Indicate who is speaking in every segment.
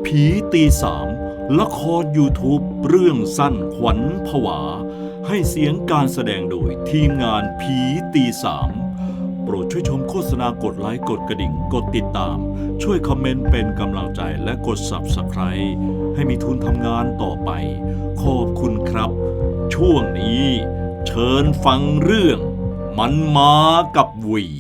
Speaker 1: ผีตีสามละคร YouTube เรื่องสั้นขวัญผวาให้เสียงการแสดงโดยทีมงานผีตีสามโปรดช่วยชมโฆษณากดไลค์กดกระดิ่งกดติดตามช่วยคอมเมนต์เป็นกำลังใจและกด Subscribe ให้มีทุนทำงานต่อไปขอบคุณครับ ช่วงนี้เชิญฟังเรื่องมันมากับหวี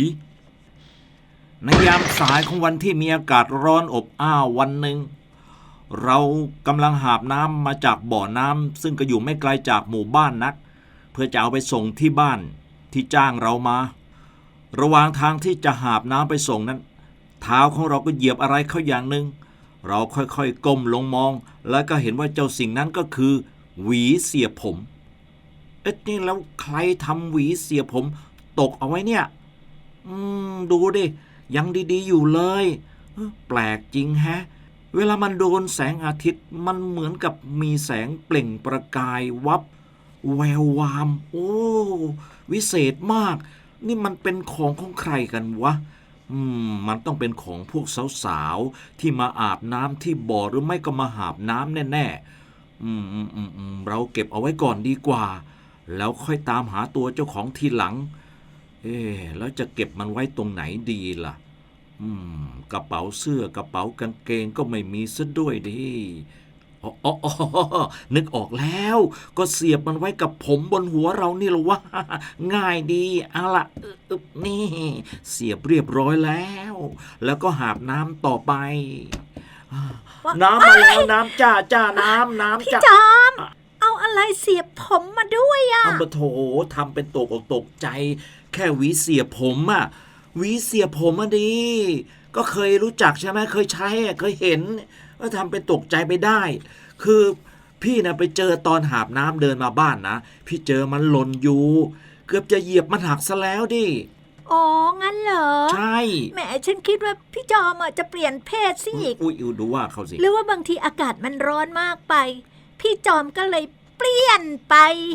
Speaker 1: ในยามสายของวันที่มีอากาศร้อนอบอ้าววันหนึ่งเรากำลังหาบน้ำมาจากบ่อน้ำซึ่งก็อยู่ไม่ไกลจากหมู่บ้านนักเพื่อจะเอาไปส่งที่บ้านที่จ้างเรามาระหว่างทางที่จะหาบน้ำไปส่งนั้นเท้าของเราก็เหยียบอะไรเข้าอย่างหนึ่งเราค่อยๆก้มลงมองแล้วก็เห็นว่าเจ้าสิ่งนั้นก็คือหวีเสียบผมนี่แล้วใครทำหวีเสียบผมตกเอาไว้เนี่ยดูดิยังดีๆอยู่เลยแปลกจริงแฮะเวลามันโดนแสงอาทิตย์มันเหมือนกับมีแสงเปล่งประกายวับแวววามโอ้วิเศษมากนี่มันเป็นของใครกันวะมันต้องเป็นของพวกสาวๆที่มาอาบน้ำที่บ่อหรือไม่ก็มาหาบน้ำแน่ๆเราเก็บเอาไว้ก่อนดีกว่าแล้วค่อยตามหาตัวเจ้าของทีหลังแล้วจะเก็บมันไว้ตรงไหนดีล่ะกระเป๋าเสื้อกระเป๋ากางเกงก็ไม่มีซะด้วยดิอ๋อนึกออกแล้วก็เสียบมันไว้กับผมบนหัวเรานี่หรอวะง่ายดีเอาล่ะนี่เสียบเรียบร้อยแล้วก็หาบน้ำต่อไปน้ำมาแล้วน้ำจ้าน้ำ
Speaker 2: พี่จอมเอาอะไรเสียบผมมาด้วยอะ
Speaker 1: เอาโถทำเป็นตกใจแค่หวีเสียบผมอะหวีเสียบผมอะดีก็เคยรู้จักใช่ไหมเคยใช้เคยเห็นก็ทำเป็นตกใจไปได้คือพี่นะไปเจอตอนหาบน้ำเดินมาบ้านนะพี่เจอมันหล่นอยู่เกือบจะเหยียบมันหักซะแล้วดิ
Speaker 2: อ๋องั้นเหรอ
Speaker 1: ใช่
Speaker 2: แหมฉันคิดว่าพี่จอมจะเปลี่ยนเพศสิอีก
Speaker 1: อุ้ยดูว่าเขาสิ
Speaker 2: หรือว่าบางทีอากาศมันร้อนมากไปพี่จอมก็เลยเปลี่ยนไป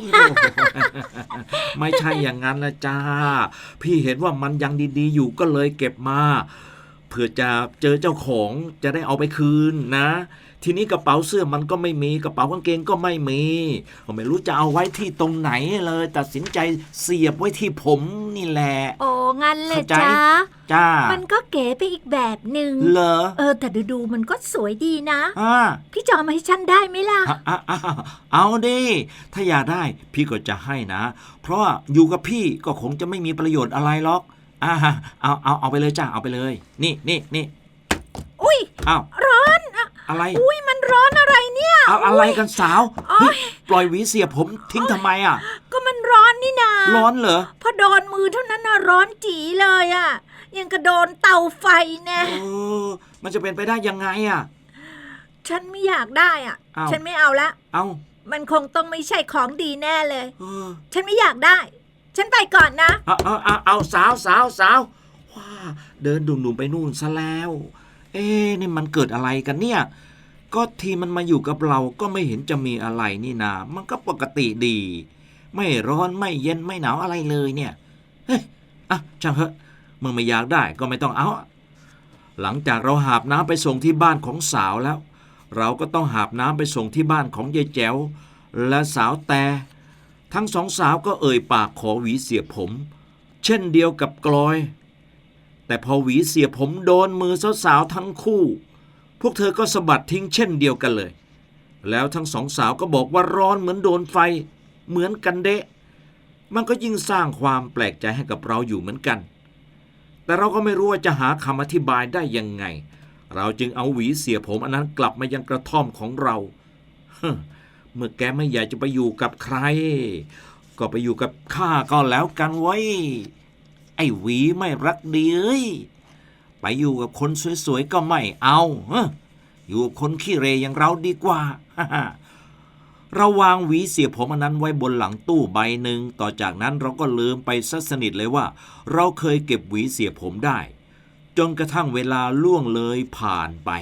Speaker 1: ไม่ใช่อย่างนั้นนะจ้าพี่เห็นว่ามันยังดีๆอยู่ก็เลยเก็บมาเพื่อจะเจอเจ้าของจะได้เอาไปคืนนะทีนี้กระเป๋าเสื้อมันก็ไม่มีกระเป๋ากางเกงก็ไม่มีผมไม่รู้จะเอาไว้ที่ตรงไหนเลยตัดสินใจเสียบไว้ที่ผมนี่แหละ
Speaker 2: โอ้งั้นเลย
Speaker 1: จ้า
Speaker 2: มันก็เก๋ไปอีกแบบหนึ่ง
Speaker 1: เหรอ
Speaker 2: แต่ดูมันก็สวยดีนะพี่จอมให้ฉันได้ไหมล่ะ
Speaker 1: เอาดิถ้าอยากได้พี่ก็จะให้นะเพราะอยู่กับพี่ก็คงจะไม่มีประโยชน์อะไรหรอกเอาไปเลยจ้าเอาไปเลยนี่
Speaker 2: อุ้ยร้อน
Speaker 1: อะไร
Speaker 2: อุ้ยมันร้อนอะไรเนี่ย
Speaker 1: เอาอะไรกันสาวปล่อยหวีเสียผมทิ้งทำไมอ่ะ
Speaker 2: ก็มันร้อนนี่นา
Speaker 1: ร้อนเหรอ
Speaker 2: พอโดนมือเท่านั้นน่ะร้อนจี๋เลยอ่ะยังกระโดนเตาไฟแน่
Speaker 1: มันจะเป็นไปได้ยังไงอ่ะ
Speaker 2: ฉันไม่อยากได้อ่ะฉันไม่เอาละ
Speaker 1: เอา
Speaker 2: มันคงต้องไม่ใช่ของดีแน่เลยฉันไม่อยากได้ฉันไปก่อนนะ
Speaker 1: เอาสาวว้าเดินดุ่มๆไปนู่นซะแล้วนี่มันเกิดอะไรกันเนี่ยก็ทีมันมาอยู่กับเราก็ไม่เห็นจะมีอะไรนี่นามันก็ปกติดีไม่ร้อนไม่เย็นไม่หนาวอะไรเลยเนี่ยช่างเถอะมึงไม่อยากได้ก็ไม่ต้องเอาหลังจากเราหาบน้ำไปส่งที่บ้านของสาวแล้วเราก็ต้องหาบน้ำไปส่งที่บ้านของยายแจ๋วและสาวแต่ทั้งสองสาวก็เอ่ยปากขอหวีเสียบผมเช่นเดียวกับกลอยแต่พอหวีเสียบผมโดนมือสาวๆทั้งคู่พวกเธอก็สะบัดทิ้งเช่นเดียวกันเลยแล้วทั้งสองสาวก็บอกว่าร้อนเหมือนโดนไฟเหมือนกันเดะมันก็ยิ่งสร้างความแปลกใจให้กับเราอยู่เหมือนกันแต่เราก็ไม่รู้ว่าจะหาคำอธิบายได้ยังไงเราจึงเอาหวีเสียบผมอันนั้นกลับมายังกระท่อมของเราเมื่อแกไม่อยากจะไปอยู่กับใครก็ไปอยู่กับข้าก็แล้วกันไว้ไอ้หวีไม่รักดีไปอยู่กับคนสวยๆก็ไม่เอาอยู่กับคนขี้เรอย่างเราดีกว่าเราวางหวีเสียบผมอันนั้นไว้บนหลังตู้ใบหนึ่งต่อจากนั้นเราก็ลืมไปซะสนิทเลยว่าเราเคยเก็บหวีเสียบผมได้จนกระทั่งเวลาล่วงเลยผ่านไป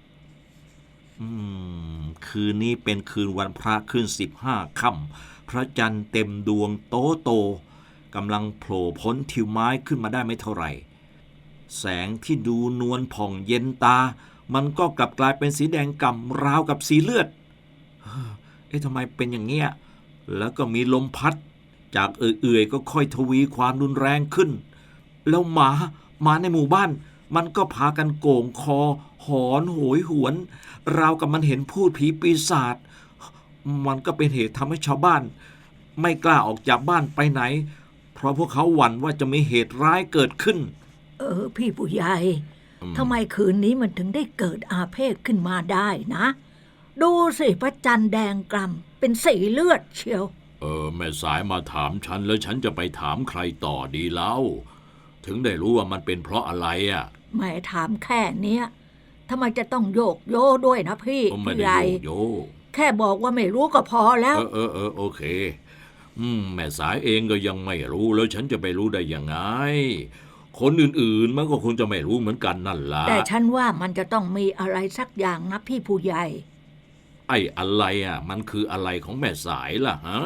Speaker 1: คืนนี้เป็นคืนวันพระขึ้น15 ค่ำพระจันทร์เต็มดวงโตกำลังโผล่พ้นทิวไม้ขึ้นมาได้ไม่เท่าไหร่แสงที่ดูนวลผ่องเย็นตามันก็กลับกลายเป็นสีแดงก่ำราวกับสีเลือดทำไมเป็นอย่างเงี้ยแล้วก็มีลมพัดจากเอื่อยๆก็ค่อยทวีความรุนแรงขึ้นแล้วหมาในหมู่บ้านมันก็พากันโก่งคอหอนโหยหวนราวกับมันเห็นพูดผีปีศาจมันก็เป็นเหตุทำให้ชาวบ้านไม่กล้าออกจากบ้านไปไหนเพราะพวกเขาหวั่นว่าจะมีเหตุร้ายเกิดขึ้น
Speaker 2: พี่ผู้ใหญ่ทำไมคืนนี้มันถึงได้เกิดอาเพศขึ้นมาได้นะดูสิพระจันทร์แดงกล่ำเป็นสีเลือดเชียว
Speaker 3: แม่สายมาถามฉันแล้วฉันจะไปถามใครต่อดีเล่าถึงได้รู้ว่ามันเป็นเพราะอะไรอ่ะ
Speaker 2: แม่ถามแค่เนี้ยทำไมจะต้องโยกโยด้วยนะพี่ผู้ใหญ่แค่บอกว่าไม่รู้ก็พอแล้ว
Speaker 3: โอเคแม่สายเองก็ยังไม่รู้แล้วฉันจะไปรู้ได้ยังไงคนอื่นๆมันก็คงจะไม่รู้เหมือนกันนั่นล่ะ
Speaker 2: แต่ฉันว่ามันจะต้องมีอะไรสักอย่างนะพี่ผู้ใหญ่
Speaker 3: ไอ้อะไรอ่ะมันคืออะไรของแม่สายล่ะฮะ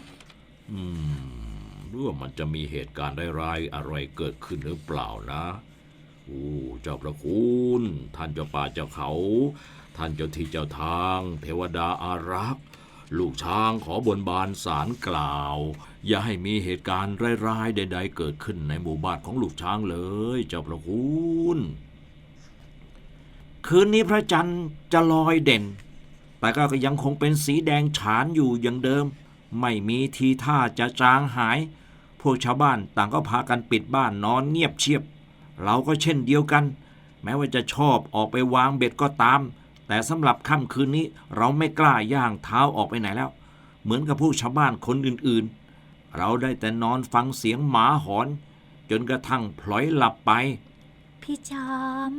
Speaker 3: หรือว่ามันจะมีเหตุการณ์ร้ายๆอะไรเกิดขึ้นหรือเปล่านะเจ้าพระคุณท่านเจ้าป่าเจ้าเขาท่านเจ้าที่เจ้าทางเทวดาอารักษ์ลูกช้างขอบนบานศาลกล่าวอย่าให้มีเหตุการณ์ร้ายๆใดๆเกิดขึ้นในหมู่บ้านของลูกช้างเลยเจ้าพระคุณ
Speaker 1: คืนนี้พระจันทร์จะลอยเด่นแต่ก็ยังคงเป็นสีแดงฉานอยู่อย่างเดิมไม่มีทีท่าจะจางหายพวกชาวบ้านต่างก็พากันปิดบ้านนอนเงียบเชียบเราก็เช่นเดียวกันแม้ว่าจะชอบออกไปวางเบ็ดก็ตามแต่สำหรับค่ำคืนนี้เราไม่กล้าย่างเท้าออกไปไหนแล้วเหมือนกับพวกชาวบ้านคนอื่นๆเราได้แต่นอนฟังเสียงหมาหอนจนกระทั่งพลอยหลับไป
Speaker 2: พี่จอม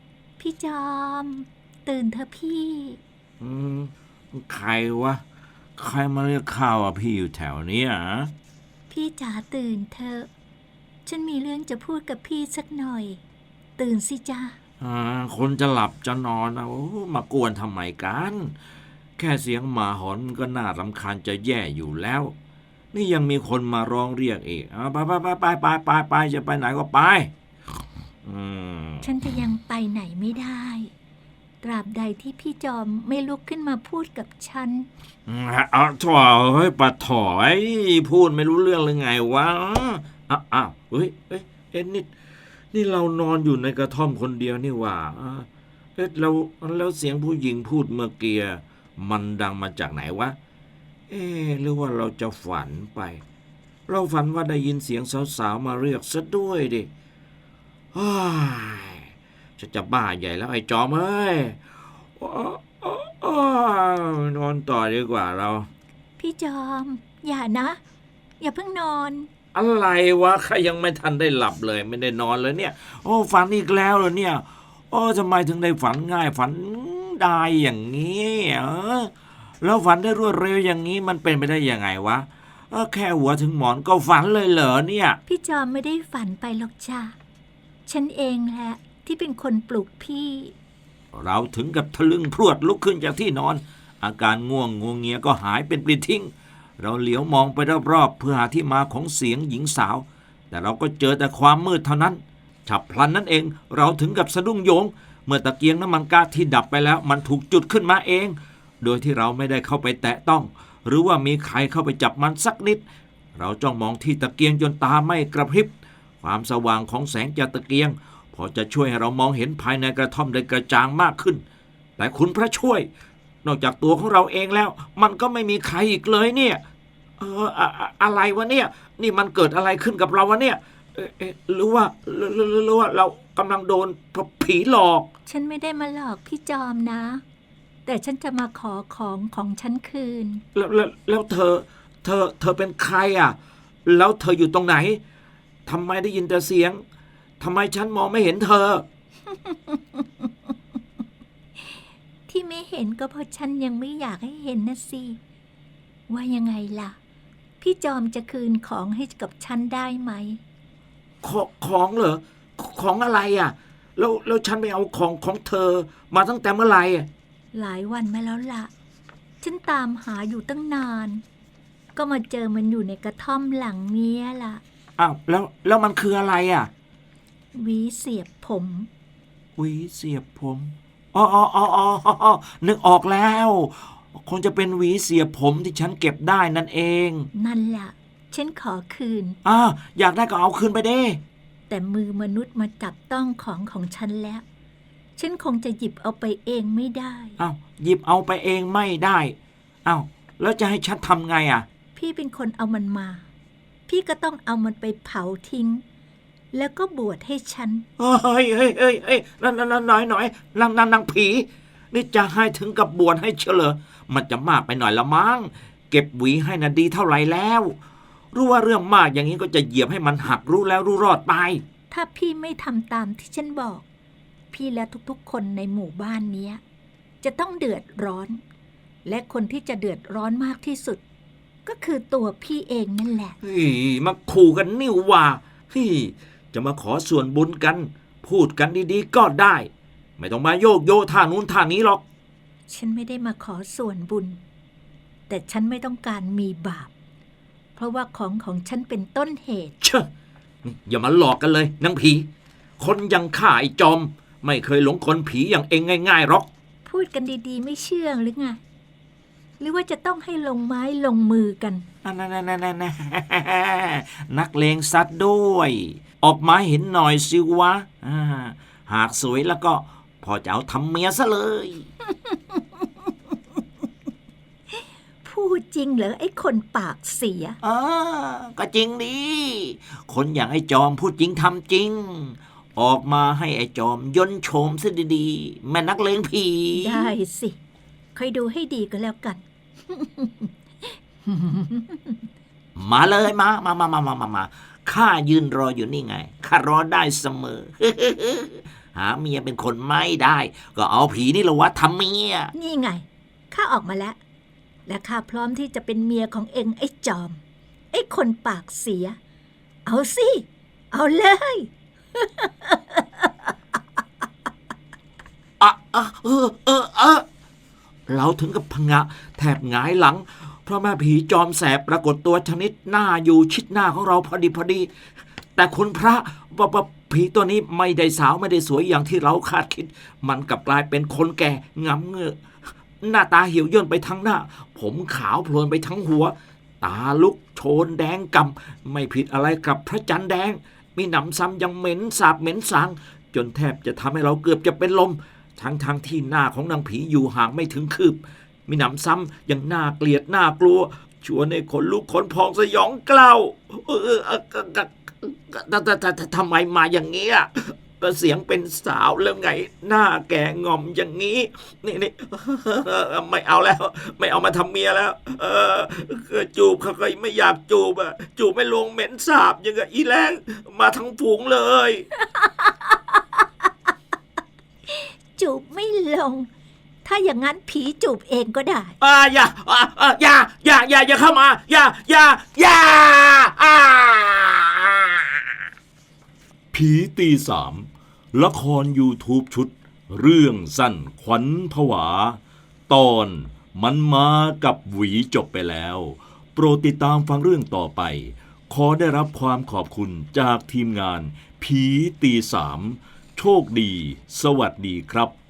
Speaker 2: ตื่นเถอะพี่
Speaker 1: ใครวะใครมาเรียกข้าวพี่อยู่แถวนี้
Speaker 2: พี่จ๋าตื่นเถอะฉันมีเรื่องจะพูดกับพี่สักหน่อยตื่นสิจ้า
Speaker 1: คนจะหลับจะนอนมากวนทำไมกันแค่เสียงหมาหอนก็น่ารำคาญจะแย่อยู่แล้วนี่ยังมีคนมาร้องเรียกอีกไปจะไปไหนก็ไป
Speaker 2: ฉันจะยังไปไหนไม่ได้ตราบใดที่พี่จอมไม่ลุกขึ้นมาพูดกับฉัน
Speaker 1: ถ่อปะถ่อยพูดไม่รู้เรื่องเลยไงวะเฮ้ยนี่เรานอนอยู่ในกระท่อมคนเดียวนี่หว่าแล้วเสียงผู้หญิงพูดเมื่อกี้มันดังมาจากไหนวะหรือว่าเราจะฝันไปเราฝันว่าได้ยินเสียงสาวๆมาเรียกซะด้วยดิจะบ้าใหญ่แล้วไอ้จอมเอ้ยนอนต่อดีกว่าเรา
Speaker 2: พี่จอมอย่านะอย่าเพิ่งนอน
Speaker 1: อะไรวะข้ายังไม่ทันได้หลับเลยไม่ได้นอนเลยเนี่ยฝันอีกแล้วเหรอเนี่ยทำไมถึงได้ฝันง่ายฝันได้อย่างนี้แล้วฝันได้รวดเร็วอย่างนี้มันเป็นไปได้ยังไงวะแค่หัวถึงหมอนก็ฝันเลยเหรอเนี่ย
Speaker 2: พี่จอมไม่ได้ฝันไปหรอกจ้ะฉันเองแหละที่เป็นคนปลุกพี่
Speaker 1: เราถึงกับทะลึ่งพรวดลุกขึ้นจากที่นอนอาการง่วงงัวเงียก็หายเป็นปลิดทิ้งเราเหลียวมองไปรอบๆเพื่อหาที่มาของเสียงหญิงสาวแต่เราก็เจอแต่ความมืดเท่านั้นฉับพลันนั่นเองเราถึงกับสะดุ้งโยงเมื่อตะเกียงน้ำมันก๊าซที่ดับไปแล้วมันถูกจุดขึ้นมาเองโดยที่เราไม่ได้เข้าไปแตะต้องหรือว่ามีใครเข้าไปจับมันสักนิดเราจ้องมองที่ตะเกียงจนตาไม่กระพริบความสว่างของแสงจากตะเกียงพอจะช่วยให้เรามองเห็นภายในกระท่อมได้กระจ่างมากขึ้นแต่คุณพระช่วยนอกจากตัวของเราเองแล้วมันก็ไม่มีใครอีกเลยเนี่ยอะไรวะเนี่ยนี่มันเกิดอะไรขึ้นกับเราวะเนี่ยหรือว่าเรากำลังโดนผีหลอก
Speaker 2: ฉันไม่ได้มาหลอกพี่จอมนะแต่ฉันจะมาขอของฉันคืน
Speaker 1: แล้วเธอเป็นใครอ่ะแล้วเธออยู่ตรงไหนทำไมได้ยินแต่เสียงทำไมฉันมองไม่เห็นเธอ
Speaker 2: ที่ไม่เห็นก็เพราะฉันยังไม่อยากให้เห็นนะสิว่ายังไงล่ะพี่จอมจะคืนของให้กับฉันได้ไหม
Speaker 1: ของเหรอของอะไรอ่ะแล้วฉันไปเอาของเธอมาตั้งแต่เมื่อไหร่
Speaker 2: หลายวันมาแล้วล่ะฉันตามหาอยู่ตั้งนานก็มาเจอมันอยู่ในกระท่อมหลังนี้ล่ะ
Speaker 1: แล้วมันคืออะไรอ่ะ
Speaker 2: หวีเสียบผม
Speaker 1: หวีเสียบผมอ๋ออ๋ออ๋ออ๋อนึกออกแล้ว คงจะเป็นหวีเสียบผมที่ฉันเก็บได้นั่นเอง
Speaker 2: นั่นแหละฉันขอคืน
Speaker 1: อยากได้ก็เอาคืนไปเด้
Speaker 2: แต่มือมนุษย์มาจับต้องของฉันแล้ว ฉันคงจะหยิบเอาไปเองไม่ได้
Speaker 1: หยิบเอาไปเองไม่ได้แล้วจะให้ฉันทำไงอ่ะ
Speaker 2: พี่เป็นคนเอามันมา พี่ก็ต้องเอามันไปเผาทิ้ง แล้วก็บวชให้ฉัน
Speaker 1: เฮ้ยน้อยนางผี นี่จะให้ถึงกับบวชให้เฉลอมันจะมากไปหน่อยละมั้ง เก็บหวีให้น่ะดีเท่าไหร่แล้ว รู้ว่าเรื่องมากอย่างนี้ก็จะเหยียบให้มันหักรู้แล้วรู้รอดไป
Speaker 2: ถ้าพี่ไม่ทำตามที่ฉันบอก พี่และทุกๆคนในหมู่บ้านเนี้ยจะต้องเดือดร้อน และคนที่จะเดือดร้อนมากที่สุด ก็คือตัวพี่เองนั่นแหละ
Speaker 1: มาขู่กันนิ่วว่าจะมาขอส่วนบุญกัน พูดกันดีๆก็ได้ ไม่ต้องมาโยกโยท่านู้นท่านี้หรอก
Speaker 2: ฉันไม่ได้มาขอส่วนบุญ แต่ฉันไม่ต้องการมีบาป เพราะว่าของฉันเป็นต้นเหตุ
Speaker 1: อย่ามาหลอกกันเลยนางผี คนอยังข้าไอ้จอม ไม่เคยหลงกลผีอย่างเองง่ายๆหรอก
Speaker 2: พูดกันดีๆไม่เชื่องหรือไง หรือว่าจะต้องให้ลงไม้ลงมือกัน
Speaker 1: นักเลงซัดด้วย ออกมาเห็นหน่อยสิวะหากสวยแล้วก็พอจะเอาทำเมียซะเลย
Speaker 2: พูดจริงเหรอไอ้คนปากเสีย
Speaker 1: ก็จริงดิคนอย่างไอ้จอมพูดจริงทำจริง ออกมาให้ไอ้จอมย่นโฉมซะดีๆแม่นักเลงผี
Speaker 2: ได้สิคอยดูให้ดีก็แล้วกัน
Speaker 1: มาเลยมาข้ายืนรออยู่นี่ไงข้ารอได้เสมอ หาเมียเป็นคนไม่ได้ ก็เอาผีนี่ละวะทำเมีย
Speaker 2: นี่ไงข้าออกมาแล้ว และข้าพร้อมที่จะเป็นเมียของเองไอ้จอม ไอ้คนปากเสีย เอาสิเอาเลย
Speaker 1: เราถึงกับพงะแทบหงายหลัง เพราะแม่ผีจอมแสบปรากฏตัวชนิดหน้าอยู่ชิดหน้าของเราพอดี แต่คุณพระว่าผีตัวนี้ไม่ได้สาวไม่ได้สวยอย่างที่เราคาดคิด มันกลับกลายเป็นคนแก่งำเงือกหน้าตาเหี่ยวย่นไปทั้งหน้า ผมขาวโพลนไปทั้งหัว ตาลุกโชนแดงกำไม่ผิดอะไรกับพระจันทร์แดง มีหนำซ้ำยังเหม็นสาบเหม็นสาง จนแทบจะทำให้เราเกือบจะเป็นลม ทั้งที่หน้าของนางผีอยู่ห่างไม่ถึงคืบ มีหนำซ้ำยังน่าเกลียดน่ากลัวชวนให้ขนลุกขนพองสยองกล้าวทำไมมาอย่างนี้ก็เสียงเป็นสาวแล้วไงหน้าแก่งอมอย่างนี้นี่ไม่เอาแล้ว ไม่เอามาทำเมียแล้วจูบเขาก็ไม่อยากจูบจูบไม่ลงเหม็นสาบอย่างกับอีแรงมาทั้งฝูงเลย
Speaker 2: จูบไม่ลง ถ้าอย่างนั้นผีจูบเองก็ได้
Speaker 1: อย่าเข้ามาอย่า
Speaker 3: ผีตีสามละคร YouTube ชุด เรื่องสั้นขวัญผวา ตอนมันมากับหวีจบไปแล้ว โปรดติดตามฟังเรื่องต่อไป ขอได้รับความขอบคุณจากทีมงานผีตีสามโชคดี สวัสดีครับ